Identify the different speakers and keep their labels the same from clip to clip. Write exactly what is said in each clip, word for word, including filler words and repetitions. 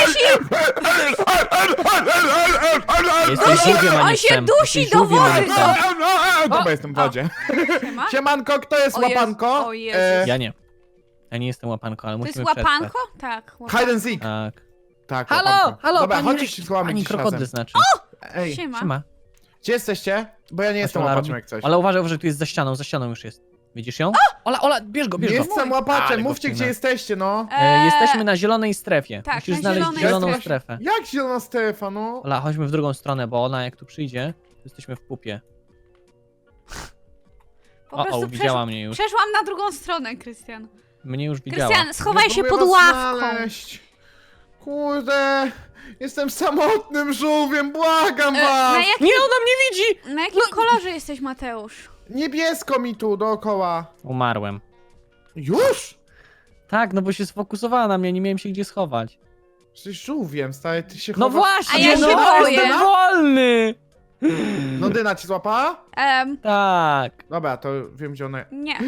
Speaker 1: dusi!
Speaker 2: Jesteś żółwiem, a nie
Speaker 1: On się
Speaker 2: psem.
Speaker 1: dusi
Speaker 2: Jesteś
Speaker 1: do
Speaker 2: żółwiem, a nie
Speaker 1: wody,
Speaker 2: psem.
Speaker 3: No bo jestem w wodzie.
Speaker 1: Siema?
Speaker 3: Siemanko, kto jest
Speaker 1: O Jezu,
Speaker 3: łapanko?
Speaker 1: o Jezus.
Speaker 3: E,
Speaker 2: Ja nie. Ja nie jestem łapanką, ale
Speaker 1: To jest
Speaker 2: musimy przetrwać.
Speaker 1: łapanko? Tak, łapanko.
Speaker 3: Hide and seek.
Speaker 2: Tak.
Speaker 3: Tak,
Speaker 2: Halo,
Speaker 3: łapanko.
Speaker 2: halo,
Speaker 3: Dobra,
Speaker 2: pani,
Speaker 3: chodźcie się złamy
Speaker 2: pani
Speaker 3: gdzieś
Speaker 2: krokodyl
Speaker 3: razem.
Speaker 2: znaczy.
Speaker 3: Ej,
Speaker 1: Siema.
Speaker 2: Siema.
Speaker 3: gdzie jesteście? Bo ja nie jestem
Speaker 2: Ola,
Speaker 3: łapaczem
Speaker 2: robi-
Speaker 3: jak coś.
Speaker 2: Ale uważaj, uważaj, tu jest za ścianą, za ścianą już jest. Widzisz ją? Ola, Ola, bierz go, bierz
Speaker 3: Nie
Speaker 2: go.
Speaker 3: jestem
Speaker 2: Ale
Speaker 3: łapaczem,
Speaker 2: go
Speaker 3: mówcie gdzie
Speaker 2: wcinę.
Speaker 3: jesteście, no.
Speaker 2: E,
Speaker 1: Eee,
Speaker 2: jesteśmy na zielonej strefie.
Speaker 1: tak,
Speaker 2: Musisz
Speaker 1: na
Speaker 2: znaleźć
Speaker 1: zielonej
Speaker 2: zieloną
Speaker 1: strefie.
Speaker 2: strefę.
Speaker 3: Jak zielona strefa, no?
Speaker 2: Ola, chodźmy w drugą stronę, bo ona jak tu przyjdzie, to jesteśmy w pupie.
Speaker 1: Po
Speaker 2: O,
Speaker 1: prostu
Speaker 2: o, widziała mnie już.
Speaker 1: Przeszłam na drugą stronę, Krystian.
Speaker 2: Mnie już widziała.
Speaker 1: Krystian, schowaj
Speaker 3: Ja
Speaker 1: się
Speaker 3: próbuję
Speaker 1: pod
Speaker 3: was
Speaker 1: ławką.
Speaker 3: znaleźć. Kurde, jestem samotnym żółwiem, błagam
Speaker 1: E,
Speaker 3: was!
Speaker 1: na, jak,
Speaker 2: Nie, ona mnie widzi!
Speaker 1: na jakim kolorze jesteś, Mateusz?
Speaker 3: Niebiesko mi tu dookoła.
Speaker 2: Umarłem.
Speaker 3: Już?
Speaker 2: Tak, no bo się sfokusowała na mnie, nie miałem się gdzie schować.
Speaker 3: Jesteś żółwiem, stary, ty się
Speaker 2: No
Speaker 3: chowasz.
Speaker 2: właśnie,
Speaker 1: A ja
Speaker 2: no
Speaker 1: się boję.
Speaker 2: jestem wolny!
Speaker 3: No Dyna ci złapała?
Speaker 1: Em,
Speaker 2: Tak.
Speaker 3: Dobra, to wiem gdzie ona...
Speaker 1: nie.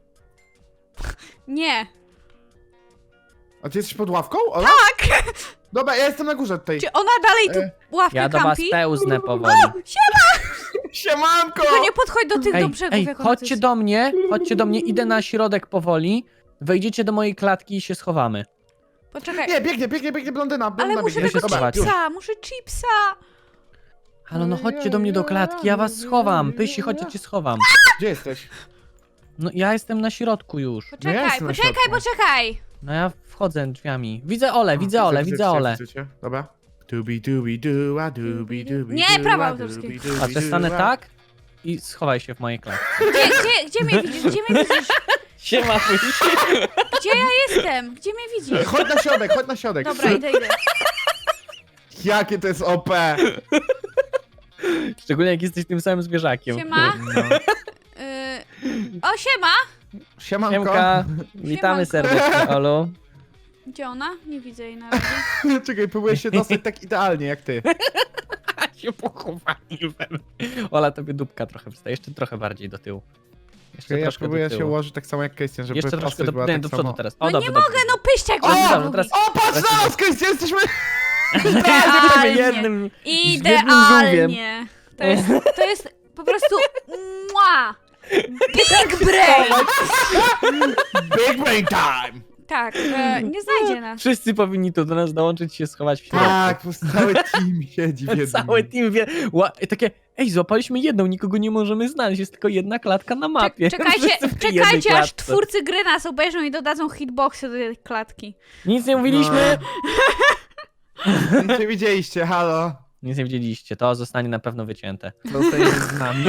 Speaker 1: Nie.
Speaker 3: A ty jesteś pod ławką? Ola? Tak! Dobra, ja jestem na górze tutaj.
Speaker 1: Czy ona dalej tu
Speaker 3: E,
Speaker 1: ławkę
Speaker 2: Ja do was
Speaker 1: kampi?
Speaker 2: pełznę powoli.
Speaker 3: Siemanko!
Speaker 1: Tylko nie podchodź do tych do
Speaker 2: Ej,
Speaker 1: brzegów,
Speaker 2: ej,
Speaker 1: jak ona
Speaker 2: chodźcie
Speaker 1: tu jest.
Speaker 2: do mnie, chodźcie do mnie, idę na środek powoli. Wejdziecie do mojej klatki i się schowamy.
Speaker 1: Poczekaj,
Speaker 3: Nie, biegnie, biegnie, biegnie blondyna.
Speaker 1: ale
Speaker 3: blondyna
Speaker 1: muszę
Speaker 3: biegnie.
Speaker 2: się
Speaker 1: tego
Speaker 3: Dobra,
Speaker 2: schować.
Speaker 3: już.
Speaker 1: chipsa, muszę chipsa.
Speaker 2: Halo, no chodźcie do mnie do klatki, ja was schowam. Pysi, chodź, ja cię schowam.
Speaker 3: Gdzie jesteś?
Speaker 2: No ja jestem na środku już.
Speaker 1: Poczekaj,
Speaker 3: jestem na
Speaker 1: poczekaj,
Speaker 3: środku.
Speaker 1: poczekaj.
Speaker 2: No ja wchodzę drzwiami. Widzę Ole, widzę
Speaker 3: O,
Speaker 2: Ole,
Speaker 3: widzę,
Speaker 2: widzę
Speaker 3: widzę,
Speaker 2: Ole.
Speaker 3: widzę cię. Dobra. Dubi dubi du, a dubi dubi
Speaker 1: Nie,
Speaker 3: du,
Speaker 1: prawa
Speaker 3: a
Speaker 1: autorskie.
Speaker 3: dubi dubi
Speaker 2: Patrz, ja
Speaker 3: du,
Speaker 2: stanę
Speaker 3: a-
Speaker 2: tak i schowaj się w mojej klatce.
Speaker 1: Gdzie, gdzie, gdzie mnie widzisz? Gdzie mnie widzisz?
Speaker 2: Siema, Pysi.
Speaker 1: Gdzie ja jestem? Gdzie mnie widzisz?
Speaker 3: Chodź na środek, chodź na środek.
Speaker 1: Dobra, idę, idę.
Speaker 3: Jakie to jest O P.
Speaker 2: Szczególnie jak jesteś tym samym zwierzakiem.
Speaker 1: Siema.
Speaker 3: No.
Speaker 1: Y... O, siema.
Speaker 3: Siemanko.
Speaker 2: Siemka, witamy
Speaker 1: Siemanko.
Speaker 2: serdecznie, Olu.
Speaker 1: Gdzie ona? Nie widzę jej na razie.
Speaker 3: Czekaj, próbuję się dostać tak idealnie jak ty.
Speaker 2: się pochowaliłem. Ola, tobie dupka trochę wstaje, jeszcze trochę bardziej do tyłu. Jeszcze
Speaker 3: Ja
Speaker 2: troszkę
Speaker 3: próbuję
Speaker 2: do
Speaker 3: się
Speaker 2: tyłu.
Speaker 3: ułożyć tak samo jak Krystian, żeby
Speaker 2: Jeszcze troszkę
Speaker 3: postać
Speaker 2: do,
Speaker 3: była
Speaker 2: nie,
Speaker 3: tak
Speaker 2: do przodu
Speaker 3: samo.
Speaker 2: teraz. O,
Speaker 1: No
Speaker 2: dobrze,
Speaker 1: nie
Speaker 2: dobrze.
Speaker 1: mogę, no pyściak
Speaker 2: Dobrze,
Speaker 1: mam
Speaker 2: dobrze,
Speaker 1: zrobić.
Speaker 2: teraz-
Speaker 3: O, patrz na nas, Krystian, jesteśmy...
Speaker 2: Jesteśmy jednym, jednym żółwiem.
Speaker 1: Idealnie. To jest, to jest po prostu mua. Big brain.
Speaker 3: Big brain time!
Speaker 1: Tak, e, nie znajdzie nas.
Speaker 2: Wszyscy powinni tu do nas dołączyć, się schować w środku.
Speaker 3: Tak, po prostu cały team siedzi w jednym.
Speaker 2: Cały team wie. Ła, i takie, ej, złapaliśmy jedną, nikogo nie możemy znaleźć, jest tylko jedna klatka na mapie.
Speaker 1: Czekajcie,
Speaker 2: Wszyscy w tej jednej
Speaker 1: czekajcie aż
Speaker 2: klatce.
Speaker 1: twórcy gry nas obejrzą i dodadzą hitboxy do tej klatki.
Speaker 2: Nic nie mówiliśmy.
Speaker 3: Nic nie widzieliście, halo.
Speaker 2: Nic nie widzieliście, to zostanie na pewno wycięte.
Speaker 3: Zostajecie z nami.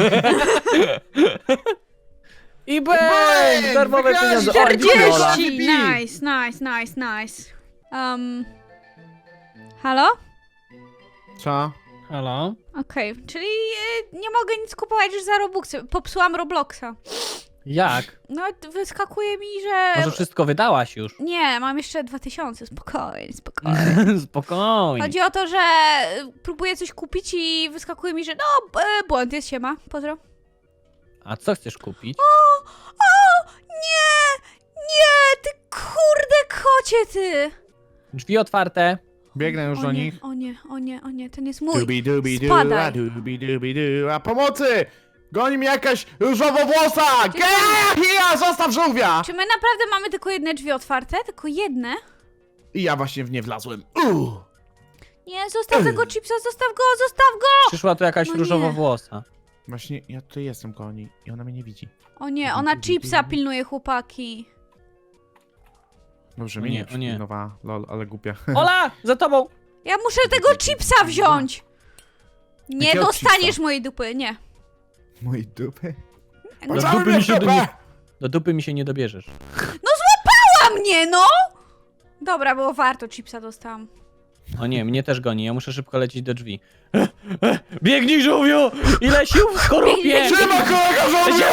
Speaker 2: I bang!
Speaker 3: Bang!
Speaker 2: Darmowe
Speaker 3: Wygraliście!
Speaker 2: pieniądze. O, dziękuję, Ola.
Speaker 1: czterdzieści!
Speaker 3: Ola.
Speaker 1: Nice, nice, nice, nice. Um, halo?
Speaker 3: Co?
Speaker 2: Halo?
Speaker 1: Okej, czyli e, nie mogę nic kupować już za Robuxy. Popsułam Robloxa.
Speaker 2: Jak?
Speaker 1: No, wyskakuje mi, że...
Speaker 2: Może wszystko wydałaś już?
Speaker 1: Nie, mam jeszcze dwa tysiące, spokojnie, spokojnie.
Speaker 2: Spokojnie.
Speaker 1: Chodzi o to, że próbuję coś kupić i wyskakuje mi, że no, e, błąd jest, siema, pozdro.
Speaker 2: A co chcesz kupić?
Speaker 1: O, o, nie, nie, ty kurde kocie, ty.
Speaker 2: Drzwi otwarte.
Speaker 3: Biegnę już
Speaker 1: O
Speaker 3: do
Speaker 1: nie,
Speaker 3: nich.
Speaker 1: o nie, o nie, o nie, ten jest mój.
Speaker 3: Dubi dubi du,
Speaker 1: Spadaj.
Speaker 3: a dubi dubi du, a pomocy! Goni mnie jakaś różowo-włosa! Gehia, zostaw żółwia!
Speaker 1: Czy my naprawdę mamy tylko jedne drzwi otwarte? Tylko jedne?
Speaker 3: I ja właśnie w nie wlazłem. Uuu.
Speaker 1: Nie, zostaw tego chipsa, zostaw go, zostaw go!
Speaker 2: Przyszła tu jakaś
Speaker 1: No nie.
Speaker 2: różowo-włosa.
Speaker 3: Właśnie, ja tutaj jestem koło niej i ona mnie nie widzi.
Speaker 1: O nie, ona chipsa pilnuje, chłopaki.
Speaker 3: Dobrze,
Speaker 2: O
Speaker 3: mnie
Speaker 2: nie,
Speaker 3: nie
Speaker 2: o nie.
Speaker 3: przypilnowała, lol, ale głupia.
Speaker 2: Ola, za tobą!
Speaker 1: Ja muszę tego chipsa wziąć! Nie
Speaker 3: Jakiego
Speaker 1: dostaniesz
Speaker 3: chipsa?
Speaker 1: mojej dupy, nie.
Speaker 3: Mojej dupy?
Speaker 2: Do
Speaker 3: Cały
Speaker 2: dupy,
Speaker 3: mnie
Speaker 2: mi się do,
Speaker 3: dupę!
Speaker 2: nie, do dupy mi się nie dobierzesz.
Speaker 1: A mnie, no! Dobra, było warto, chipsa dostałam.
Speaker 2: O nie, mnie też goni, ja muszę szybko lecieć do drzwi. Biegnij, żółwiu! Ile sił w skorupie!
Speaker 3: Trzyma kolega żołnierz!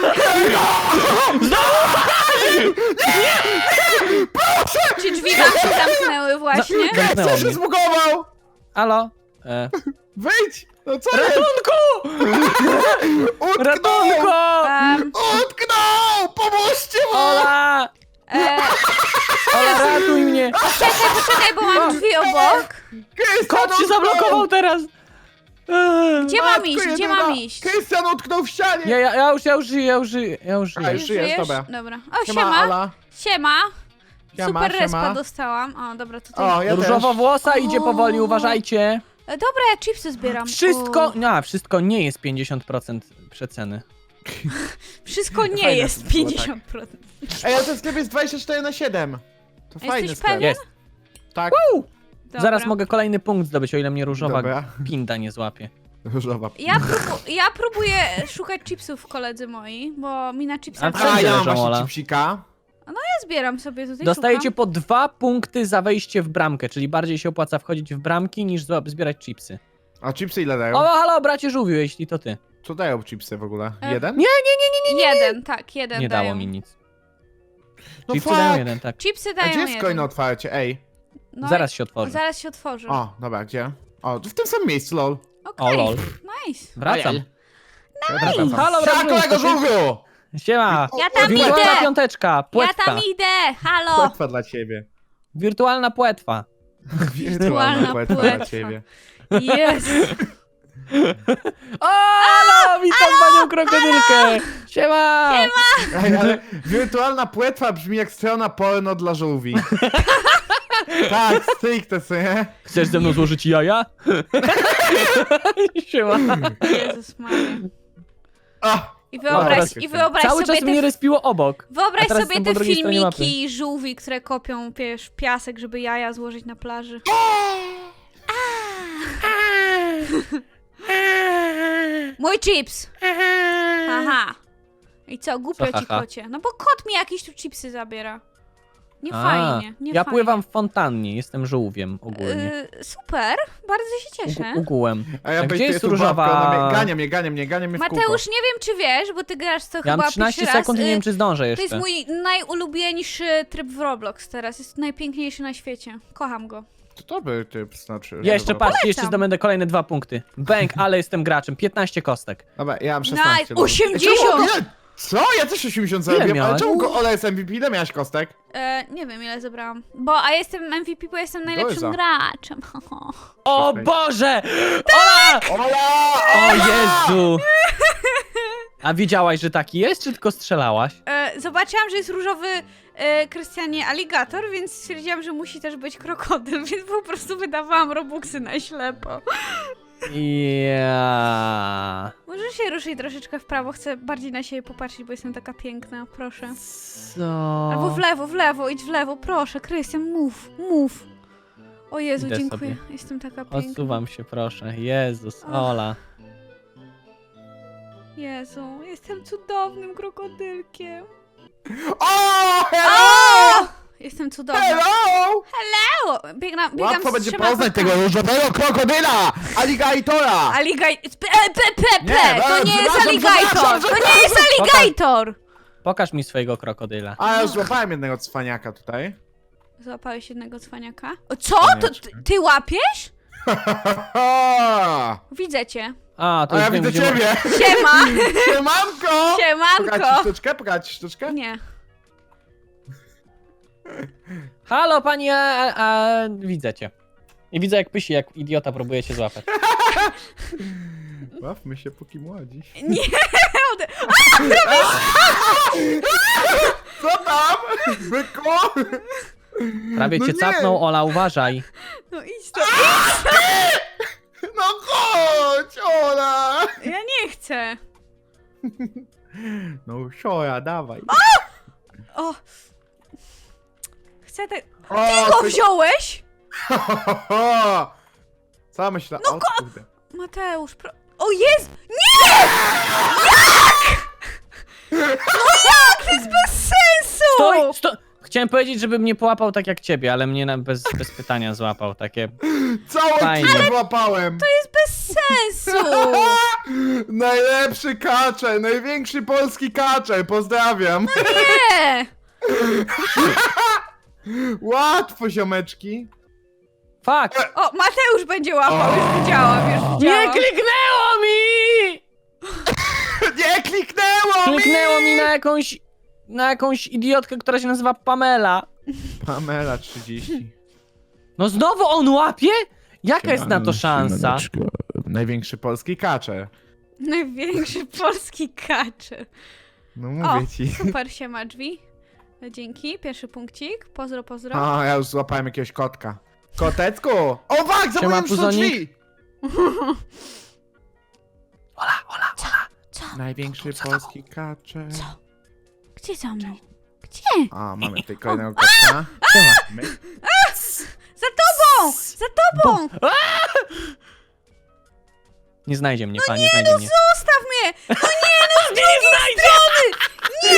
Speaker 1: Czy drzwi wam się zamknęły właśnie?
Speaker 2: Zamknęło
Speaker 3: Co się
Speaker 2: mnie.
Speaker 3: zbugował?
Speaker 2: Halo? E,
Speaker 3: Wyjdź! No co jest?
Speaker 2: ratunku!
Speaker 3: Utknął!
Speaker 2: Ratunku!
Speaker 1: Um,
Speaker 3: Utknął! Pomóżcie mu!
Speaker 2: Ola!
Speaker 1: e,
Speaker 2: Ola, ratuj mnie!
Speaker 1: czekaj, Czekaj, bo mam drzwi obok.
Speaker 3: Krystian
Speaker 2: Kot się
Speaker 3: utknął!
Speaker 2: zablokował teraz! Eee.
Speaker 1: Gdzie mam
Speaker 3: Matko
Speaker 1: iść? Gdzie
Speaker 3: jedyna!
Speaker 1: mam iść?
Speaker 3: Krystian utknął w ścianie!
Speaker 2: Ja, ja, ja już, ja już żyję, ja już żyję, ja już
Speaker 3: A,
Speaker 2: żyję.
Speaker 3: już żyjesz, dobra.
Speaker 1: Dobra. O,
Speaker 3: Siema,
Speaker 1: siema.
Speaker 3: Ola.
Speaker 1: Siema.
Speaker 3: Siema,
Speaker 1: Super
Speaker 3: siema.
Speaker 1: respa dostałam. O, dobra, tutaj.
Speaker 3: O, ja
Speaker 2: Różowa
Speaker 3: też.
Speaker 2: włosa idzie powoli,
Speaker 1: O.
Speaker 2: uważajcie.
Speaker 1: E, Dobra, ja chipsy zbieram.
Speaker 2: Wszystko,
Speaker 1: O.
Speaker 2: no, wszystko nie jest pięćdziesiąt procent przeceny.
Speaker 1: Wszystko nie
Speaker 3: Fajne
Speaker 1: jest
Speaker 3: to było,
Speaker 1: pięćdziesiąt procent.
Speaker 3: Ej, ale ten sklep jest dwadzieścia cztery na siedem. To fajny
Speaker 1: Jesteś
Speaker 3: sklep.
Speaker 1: pewien?
Speaker 2: Jest.
Speaker 3: Tak,
Speaker 1: Dobra.
Speaker 2: Zaraz mogę kolejny punkt zdobyć, o ile mnie różowa
Speaker 3: Dobra.
Speaker 2: pinda nie złapie.
Speaker 3: różowa.
Speaker 1: Ja, próbu ja próbuję szukać chipsów, koledzy moi, bo mi na chipsach...
Speaker 2: A
Speaker 3: A,
Speaker 2: wszędzie
Speaker 3: ja mam
Speaker 2: leżą,
Speaker 3: właśnie
Speaker 2: Ola.
Speaker 3: chipsika.
Speaker 1: Ja zbieram sobie tutaj,
Speaker 2: Dostajecie
Speaker 1: szukam.
Speaker 2: po dwa punkty za wejście w bramkę, czyli bardziej się opłaca wchodzić w bramki niż zła- zbierać chipsy.
Speaker 3: A chipsy ile dają?
Speaker 2: O, halo, bracie żółwiu, jeśli to ty.
Speaker 3: Co dają chipsy w ogóle?
Speaker 1: E,
Speaker 3: Jeden?
Speaker 2: Nie,
Speaker 1: Jeden, tak, jeden
Speaker 2: Nie
Speaker 1: dają.
Speaker 2: dało mi nic.
Speaker 3: No
Speaker 2: Chipsy
Speaker 3: fuck.
Speaker 2: dają jeden, tak.
Speaker 1: Chipsy
Speaker 3: A
Speaker 1: dają
Speaker 3: gdzie jest
Speaker 1: jeden.
Speaker 3: coin otwarcie? Ej.
Speaker 1: No
Speaker 2: Zaraz
Speaker 1: i-
Speaker 2: się otworzy.
Speaker 1: Zaraz się otworzy.
Speaker 3: O, dobra, gdzie? O, w tym samym miejscu, lol.
Speaker 1: Okej,
Speaker 2: O, lol.
Speaker 1: nice.
Speaker 2: Wracam.
Speaker 3: Wracam.
Speaker 2: Halo,
Speaker 3: Siema,
Speaker 2: bracie,
Speaker 3: kolego
Speaker 2: to ty?
Speaker 3: żółwiu!
Speaker 2: Siema.
Speaker 1: Ja tam
Speaker 2: Wirtualna
Speaker 1: idę!
Speaker 2: piąteczka,
Speaker 1: Ja
Speaker 2: płetwa.
Speaker 1: tam idę! Halo!
Speaker 3: Płetwa dla ciebie.
Speaker 2: Wirtualna płetwa.
Speaker 1: Wirtualna
Speaker 3: płetwa
Speaker 1: płetwa.
Speaker 3: dla ciebie.
Speaker 1: Jest!
Speaker 2: O, halo, witam panią krokodylkę. Siema.
Speaker 3: Ej, ale wirtualna płetwa brzmi jak strona porno dla żółwi. Tak, stricte sobie.
Speaker 2: Chcesz ze mną złożyć jaja? Siema.
Speaker 1: Jezus Maria.
Speaker 3: O,
Speaker 1: I wyobraź,
Speaker 3: teraz
Speaker 1: i wyobraź
Speaker 2: Cały
Speaker 1: sobie
Speaker 2: czas mnie
Speaker 1: te,
Speaker 2: respiło obok.
Speaker 1: wyobraź
Speaker 2: a teraz
Speaker 1: sobie
Speaker 2: jestem po
Speaker 1: te
Speaker 2: drugiej stronie mapy.
Speaker 1: filmiki żółwi, które kopią wiesz, piasek, żeby jaja złożyć na plaży. Mój chips! Aha. I co, głupio
Speaker 2: Co,
Speaker 1: ci
Speaker 2: haha?
Speaker 1: kocie. No bo kot mi jakieś tu chipsy zabiera. Nie
Speaker 2: A,
Speaker 1: fajnie, nie
Speaker 2: ja
Speaker 1: fajnie.
Speaker 2: pływam w fontannie, jestem żółwiem ogólnie.
Speaker 1: Yy, super, bardzo się cieszę.
Speaker 2: Ugu- Ugułem.
Speaker 3: a ja
Speaker 2: A
Speaker 3: bym
Speaker 2: gdzie jest
Speaker 3: tu babką,
Speaker 2: różowa?
Speaker 3: ona mnie- Gania mnie, gania mnie, gania mnie w kółko.
Speaker 1: Mateusz, nie wiem czy wiesz, bo ty grasz to
Speaker 2: Ja
Speaker 1: chyba
Speaker 2: mam trzynaście
Speaker 1: pierwszy raz.
Speaker 2: sekund i nie
Speaker 1: y,
Speaker 2: wiem, czy zdążę
Speaker 1: To
Speaker 2: jeszcze.
Speaker 1: jest mój najulubieńszy tryb w Roblox teraz. Jest najpiękniejszy na świecie. Kocham go.
Speaker 3: To dobry typ, znaczy.
Speaker 2: Jeszcze
Speaker 3: dobra.
Speaker 2: patrzcie, jeszcze
Speaker 1: Polecam.
Speaker 2: zdobędę kolejne dwa punkty. Bęk, ale jestem graczem. piętnaście kostek.
Speaker 3: Dobra, ja mam szesnaście.
Speaker 1: Nice.
Speaker 3: dobra.
Speaker 1: osiemdziesiąt!
Speaker 3: Ej, czemu- ile- Co? Ja też osiemdziesiąt zarobiłem, ale
Speaker 2: miałeś?
Speaker 3: czemu go Ola jest M V P? Ile miałaś kostek?
Speaker 1: E, nie wiem ile zebrałam. Bo, a jestem M V P, bo jestem najlepszym
Speaker 3: za.
Speaker 1: graczem.
Speaker 2: O
Speaker 3: Czekaj.
Speaker 2: Boże! Ola!
Speaker 3: Ola!
Speaker 2: O Jezu! A wiedziałaś, że taki jest, czy tylko strzelałaś?
Speaker 1: E, zobaczyłam, że jest różowy e, Krystianie aligator, więc stwierdziłam, że musi też być krokodyl, więc po prostu wydawałam robuxy na ślepo.
Speaker 2: Ja.
Speaker 1: Może się ruszyć troszeczkę w prawo, chcę bardziej na siebie popatrzeć, bo jestem taka piękna, proszę.
Speaker 2: Co?
Speaker 1: Albo w lewo, w lewo, idź w lewo, proszę, Krystian, mów, mów. O Jezu,
Speaker 2: Idę
Speaker 1: dziękuję,
Speaker 2: sobie.
Speaker 1: jestem taka piękna.
Speaker 2: Odsuwam się, proszę. Jezus,
Speaker 1: Och.
Speaker 2: Ola.
Speaker 1: Jezu, jestem cudownym krokodylkiem.
Speaker 3: O! Hello!
Speaker 1: O! Jestem cudowna.
Speaker 3: Hello!
Speaker 1: Hello! Biegna, biegam
Speaker 3: Łatwo
Speaker 1: z
Speaker 3: będzie
Speaker 1: trzema
Speaker 3: poznać
Speaker 1: kotkami.
Speaker 3: tego różowego krokodyla! Aligatora!
Speaker 1: Aligaj... P, p, p,
Speaker 3: Nie,
Speaker 1: p. To
Speaker 3: e,
Speaker 1: nie jest
Speaker 3: przepraszam,
Speaker 1: aligator!
Speaker 3: przepraszam,
Speaker 1: To nie jest aligator!
Speaker 2: Pokaż mi swojego krokodyla.
Speaker 3: A ja już złapałem jednego cwaniaka tutaj.
Speaker 1: Złapałeś jednego cwaniaka? O, co? To ty, ty łapiesz? Widzę cię.
Speaker 2: A, to
Speaker 3: A
Speaker 2: już
Speaker 3: ja
Speaker 2: wiem,
Speaker 3: widzę
Speaker 2: gdzie...
Speaker 3: ciebie!
Speaker 1: Siema!
Speaker 3: Siemanko! Pokać ci
Speaker 1: Siemanko!
Speaker 3: sztuczkę? Pokać ci sztuczkę?
Speaker 1: Nie.
Speaker 2: Halo, pani, a, a, a, widzę cię. I widzę, jak pysi, jak idiota próbuje cię złapać.
Speaker 3: Bawmy się póki młodzi.
Speaker 1: Nie!
Speaker 3: Co tam? Byku?
Speaker 2: Prawie
Speaker 3: No
Speaker 2: cię
Speaker 3: nie.
Speaker 2: capnął, Ola, uważaj.
Speaker 1: No idź to.
Speaker 3: No chodź, Ola!
Speaker 1: Ja nie chcę.
Speaker 3: No siora, dawaj.
Speaker 1: O! Chcę te...
Speaker 3: O,
Speaker 1: Ty go
Speaker 3: ty-
Speaker 1: wziąłeś?
Speaker 3: Co myślę?
Speaker 1: No
Speaker 3: O, kurde.
Speaker 1: Mateusz, pro... O jest! Nie! Jak? No jak? To jest bez sensu!
Speaker 2: Stoj, sto... Chciałem powiedzieć, żeby mnie połapał tak jak ciebie, ale mnie na, bez, bez pytania złapał. Takie...
Speaker 3: Całe
Speaker 2: Fajnie.
Speaker 3: tyle złapałem!
Speaker 1: To jest bez sensu!
Speaker 3: Najlepszy kaczer, największy polski kaczer, pozdrawiam.
Speaker 1: Nie!
Speaker 3: Łatwo, ziomeczki.
Speaker 2: Fuck!
Speaker 1: O, Mateusz będzie łapał,
Speaker 3: O.
Speaker 1: już widziałam, już
Speaker 2: Nie
Speaker 1: widziałam.
Speaker 2: kliknęło mi!
Speaker 3: Nie kliknęło mi!
Speaker 2: Kliknęło mi na jakąś... na jakąś idiotkę, która się nazywa Pamela.
Speaker 3: Pamela trzydzieści.
Speaker 2: No znowu on łapie? Jaka jest na to szansa?
Speaker 3: Siemaneczko. Największy polski kacze.
Speaker 1: Największy polski kaczy.
Speaker 3: No
Speaker 1: O,
Speaker 3: mówię ci.
Speaker 1: super się ma drzwi. Dzięki, pierwszy punkcik. Pozdro, pozdro.
Speaker 3: O, ja już złapałem jakiegoś kotka. Kotecku! O, wak, za
Speaker 2: Siema,
Speaker 3: moim są
Speaker 2: puzonik.
Speaker 3: drzwi!
Speaker 2: Ola, Ola, Ola.
Speaker 1: Co?
Speaker 3: Największy
Speaker 2: Co?
Speaker 3: polski kacze.
Speaker 1: Co? Gdzie za mną? Gdzie?
Speaker 3: A, mamy tutaj kolejnego kotka.
Speaker 2: Siema.
Speaker 3: My-
Speaker 1: Za tobą! Za tobą!
Speaker 2: Nie znajdzie mnie, pan, nie znajdzie mnie.
Speaker 1: Zostaw mnie! No nie, no z drugiej strony!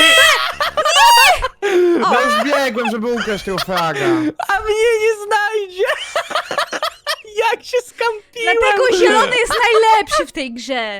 Speaker 3: No już biegłem, żeby ukraść tego fraga.
Speaker 2: A mnie nie znajdzie! Jak się skampiłem!
Speaker 1: Dlatego zielony jest najlepszy w tej grze.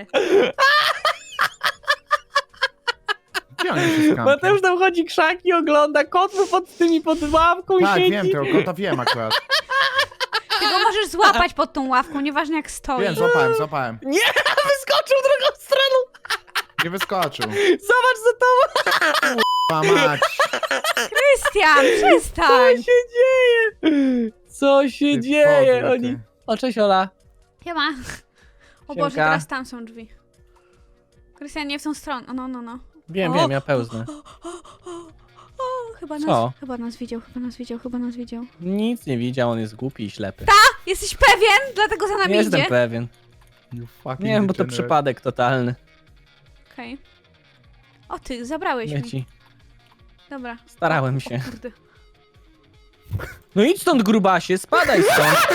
Speaker 3: Gdzie on się skampił?
Speaker 2: Mateusz tam chodzi krzaki, ogląda, kot mu pod tymi pod ławką
Speaker 3: Tak,
Speaker 2: siedzi.
Speaker 3: wiem, tego kota wiem akurat.
Speaker 1: Ty go możesz złapać pod tą ławką, nieważne jak stoi.
Speaker 3: Wiem, złapałem, złapałem.
Speaker 2: Nie, wyskoczył drugą stroną!
Speaker 3: Nie wyskoczył.
Speaker 2: Zobacz za tobą!
Speaker 3: Pa mać.
Speaker 1: Krystian,
Speaker 2: Co
Speaker 1: przestań!
Speaker 2: się dzieje? Co się
Speaker 3: Ty
Speaker 2: dzieje?
Speaker 3: podły,
Speaker 2: Oni...
Speaker 3: ty.
Speaker 2: O, cześć Ola.
Speaker 1: Siema. O Boże,
Speaker 2: Siemka.
Speaker 1: teraz tam są drzwi. Krystian, nie w tą stronę. O, no, no, no.
Speaker 2: Wiem,
Speaker 1: O,
Speaker 2: wiem, ja pełznę.
Speaker 1: O, chyba nas,
Speaker 2: Co?
Speaker 1: chyba nas widział, chyba nas widział, chyba nas widział.
Speaker 2: Nic nie widział, on jest głupi i ślepy.
Speaker 1: Jesteś pewien? Dlatego za nami
Speaker 2: Nie jestem
Speaker 1: idzie?
Speaker 2: pewien.
Speaker 3: You fucking
Speaker 2: Nie wiem, bo to
Speaker 3: degenerate.
Speaker 2: przypadek totalny.
Speaker 1: Okej. O, ty, zabrałeś mi.
Speaker 2: Leci.
Speaker 1: Dobra.
Speaker 2: Starałem
Speaker 1: O,
Speaker 2: się.
Speaker 1: o kurde.
Speaker 2: No idź stąd, grubasie, spadaj stąd.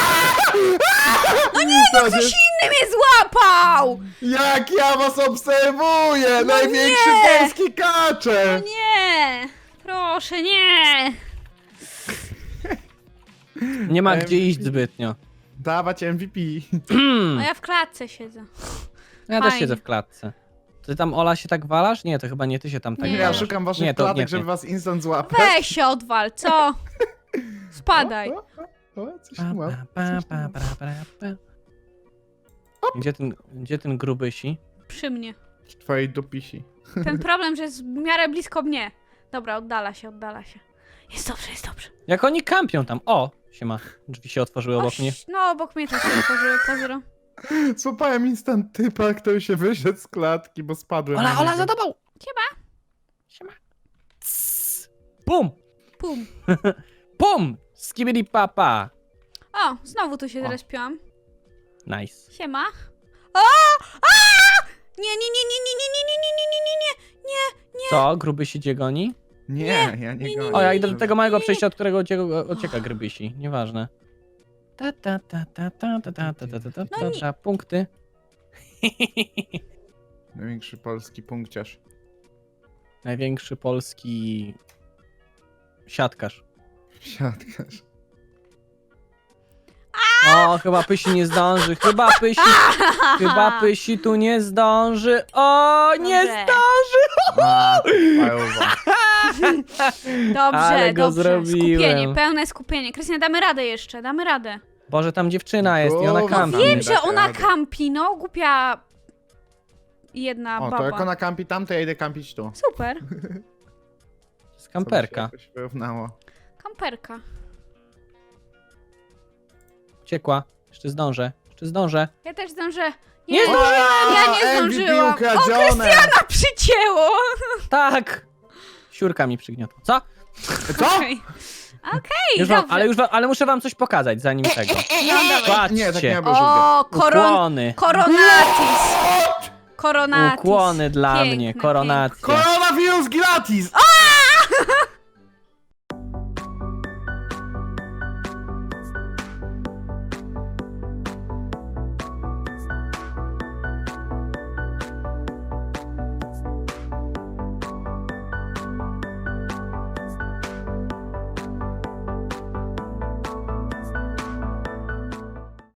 Speaker 3: No nie, no
Speaker 1: Ktoś inny mnie złapał!
Speaker 3: Jak ja was obserwuję! Największy
Speaker 1: No nie!
Speaker 3: polski kacze!
Speaker 1: Nie! Proszę, nie!
Speaker 2: Nie ma
Speaker 3: Em,
Speaker 2: gdzie iść zbytnio.
Speaker 3: Dawać M V P.
Speaker 1: A ja w klatce siedzę.
Speaker 2: Ja też
Speaker 1: Fajnie.
Speaker 2: siedzę w klatce. Ty tam, Ola, się tak walasz? Nie, to chyba nie ty się tam tak
Speaker 1: Nie.
Speaker 3: Ja
Speaker 2: walasz.
Speaker 3: szukam waszych
Speaker 2: Nie, to
Speaker 3: klatek,
Speaker 2: nie ty.
Speaker 3: żeby was instant złapać.
Speaker 1: Weź się odwal, co? Spadaj.
Speaker 3: O, o, o, coś
Speaker 2: Pa,
Speaker 3: tu mam.
Speaker 2: pa, pa,
Speaker 3: coś tu
Speaker 2: pa,
Speaker 3: mam.
Speaker 2: pa, pa, pa. Gdzie ten, gdzie ten grubysi?
Speaker 1: Przy mnie.
Speaker 3: W twojej dupisi.
Speaker 1: Ten problem, że jest w miarę blisko mnie. Dobra, oddala się, oddala się. Jest dobrze, jest dobrze.
Speaker 2: Jak oni kampią tam? O, siema. Drzwi się otworzyły obok
Speaker 1: Oś,
Speaker 2: mnie.
Speaker 1: no, obok mnie też się otworzyły, pozdro.
Speaker 3: Złapałem instant typa, który się wyszedł z klatki, bo spadłem.
Speaker 2: Ola,
Speaker 3: na
Speaker 2: Ola,
Speaker 3: niego.
Speaker 2: za tobą!
Speaker 1: Siema.
Speaker 2: Siema. Cs. Pum!
Speaker 1: Pum.
Speaker 2: Pum! Skibidi papa!
Speaker 1: O, znowu tu się
Speaker 3: O.
Speaker 1: zrespiłam.
Speaker 2: Nice.
Speaker 1: Siema. O! A! Nie, nie, nie, nie, nie, nie, nie, nie, nie, nie, nie, nie, nie, nie.
Speaker 2: Co? Grubysi cię goni?
Speaker 3: Nie, ja nie,
Speaker 1: nie,
Speaker 3: gonię.
Speaker 2: O, ja idę do tego małego przejścia, od którego ucieka, ucieka Grybysi. Nieważne. Ta ta ta ta ta ta ta ta ta ta ta ta ta punkty.
Speaker 3: Największy polski punkciarz.
Speaker 2: Największy polski siatkarz.
Speaker 3: Siatkarz.
Speaker 2: O, chyba Pysi nie zdąży, chyba Pysi, chyba Pysi tu nie zdąży. O, nie
Speaker 1: Dobrze.
Speaker 2: zdąży!
Speaker 3: A, fajowa.
Speaker 1: Dobrze,
Speaker 2: Ale go
Speaker 1: dobrze.
Speaker 2: zrobiłem.
Speaker 1: Skupienie, pełne skupienie. Krystian, damy radę jeszcze, damy radę.
Speaker 2: Boże, tam dziewczyna jest i ona
Speaker 3: Głowa.
Speaker 2: kampi.
Speaker 1: Wiem,
Speaker 3: nie
Speaker 1: że
Speaker 3: dacie
Speaker 1: ona
Speaker 3: rady.
Speaker 1: kampi, no, głupia jedna
Speaker 3: O,
Speaker 1: baba.
Speaker 3: to jak ona kampi tam, to ja idę kampić tu.
Speaker 1: Super,
Speaker 2: Skamperka.
Speaker 3: Co by się jakoś wyrównało.
Speaker 1: kamperka.
Speaker 2: Uciekła. Jeszcze zdążę, jeszcze zdążę.
Speaker 1: Ja też zdążę.
Speaker 2: Nie
Speaker 1: Nie,
Speaker 2: zdążyłam!
Speaker 1: ja nie
Speaker 3: M V P
Speaker 1: zdążyłam. O,
Speaker 3: ukradzione!
Speaker 1: Krystiana przycięło!
Speaker 2: Tak! Siurka mi przygniotła. Co?
Speaker 3: Co?
Speaker 1: Okej, Okej,
Speaker 2: Już wam,
Speaker 1: dobrze.
Speaker 2: ale już wam, ale muszę wam coś pokazać zanim tego. Patrzcie.
Speaker 3: Nie, tak nie było żółwie.
Speaker 1: O, koron...
Speaker 2: Ukłony.
Speaker 1: koronatis. Koronatis.
Speaker 2: Ukłony dla
Speaker 1: Piękne,
Speaker 2: mnie,
Speaker 1: piękne.
Speaker 2: koronacja.
Speaker 3: Koronawirus gratis!